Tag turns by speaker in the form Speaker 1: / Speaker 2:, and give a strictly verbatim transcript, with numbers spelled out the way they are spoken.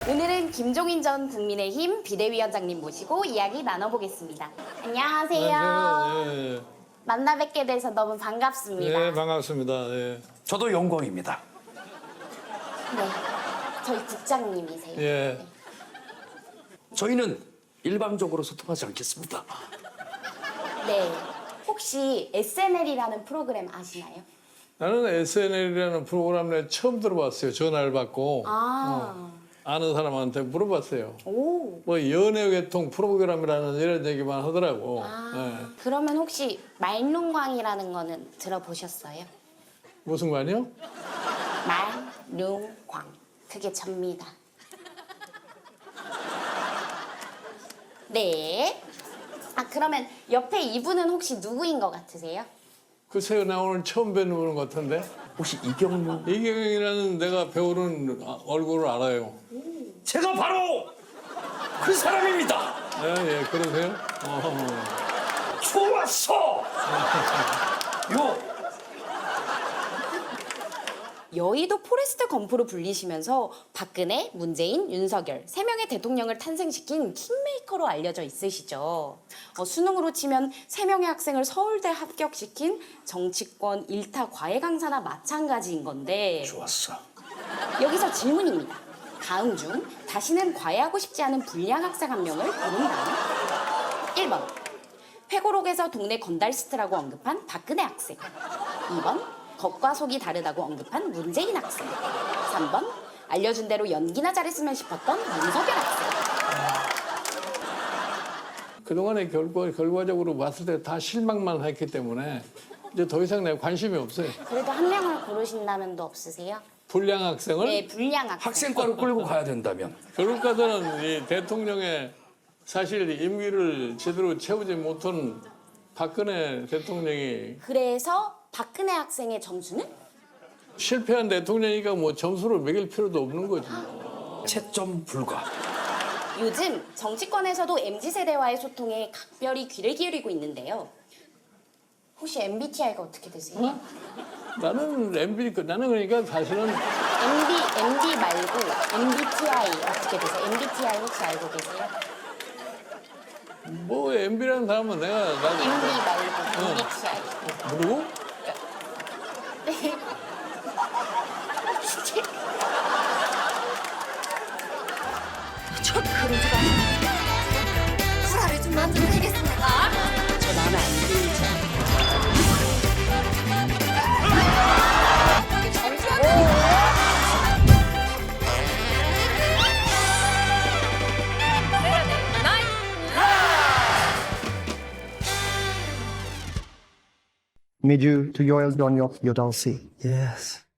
Speaker 1: 오늘은 김종인 전 국민의힘 비대위원장님 모시고 이야기 나눠보겠습니다. 안녕하세요.
Speaker 2: 네, 네,
Speaker 1: 만나 뵙게 돼서 너무 반갑습니다.
Speaker 2: 네, 반갑습니다. 네.
Speaker 3: 저도 영광입니다.
Speaker 1: 네, 저희 국장님이세요.
Speaker 2: 예.
Speaker 3: 저희는 일방적으로 소통하지 않겠습니다.
Speaker 1: 네. 혹시 에스엔엘이라는 프로그램 아시나요?
Speaker 2: 나는 에스엔엘이라는 프로그램을 처음 들어봤어요. 전화를 받고
Speaker 1: 아,
Speaker 2: 아는 사람한테 물어봤어요.
Speaker 1: 오.
Speaker 2: 뭐 연애외통 프로그램이라는 이런 얘기만 하더라고.
Speaker 1: 아,
Speaker 2: 예.
Speaker 1: 그러면 혹시 말룬광이라는 거는 들어보셨어요?
Speaker 2: 무슨 관이요?
Speaker 1: 말룬광. 그게 접니다. 네. 아, 그러면 옆에 이분은 혹시 누구인 것 같으세요?
Speaker 2: 글쎄요, 나 오늘 처음 뵙는 분 같은데.
Speaker 3: 혹시 이경무?
Speaker 2: 이경이라는 내가 배우는 아- 얼굴을 알아요.
Speaker 3: 제가 바로 그 사람입니다.
Speaker 2: 예, 예, 그러세요? 어.
Speaker 3: 좋았어. 요
Speaker 1: 여의도 포레스트 검프로 불리시면서 박근혜, 문재인, 윤석열 세 명의 대통령을 탄생시킨 킹메이커로 알려져 있으시죠. 어, 수능으로 치면 세 명의 학생을 서울대 합격시킨 정치권 일타 과외 강사나 마찬가지인 건데
Speaker 3: 좋았어.
Speaker 1: 여기서 질문입니다. 다음 중 다시는 과외하고 싶지 않은 불량 학생 한 명을 고른다면 일 번 회고록에서 동네 건달스트라고 언급한 박근혜 학생, 이 번 겉과 속이 다르다고 언급한 문재인 학생, 삼 번 알려준 대로 연기나 잘했으면 싶었던 윤석열 학생.
Speaker 2: 그동안의 결과, 결과적으로 봤을 때 다 실망만 했기 때문에 이제 더 이상 내가 관심이 없어요.
Speaker 1: 그래도 한 명을 고르신다면 도 없으세요?
Speaker 2: 불량 학생을
Speaker 1: 네, 불량 학생.
Speaker 3: 학생과를 끌고 가야 된다면
Speaker 2: 결국까지는 이 대통령의 사실 임기를 제대로 채우지 못한 박근혜 대통령이
Speaker 1: 그래서 박근혜 학생의 점수는?
Speaker 2: 실패한 대통령이니까 뭐 점수를 매길 필요도 없는 거지.
Speaker 3: 채점 불가.
Speaker 1: 요즘 정치권에서도 엠지 세대와의 소통에 각별히 귀를 기울이고 있는데요. 혹시 엠비티아이가 어떻게 되세요?
Speaker 2: 어? 나는 엠비 나는 그러니까 사실은
Speaker 1: 엠비 엠비 말고 엠비티아이 어떻게 되세요? 엠비티아이 혹시 알고 계세요?
Speaker 2: 뭐 엠비라는 사람은 내가 나도
Speaker 1: 엠비 말고 엠비티아이.
Speaker 2: 모르고
Speaker 1: 네. 저 그런 줄 알았는데.
Speaker 4: 불화를 좀 만들어드리겠습니다.
Speaker 1: 저 마음에 안 들죠?
Speaker 5: Mid you to yoil on your you don't see.
Speaker 6: Yes.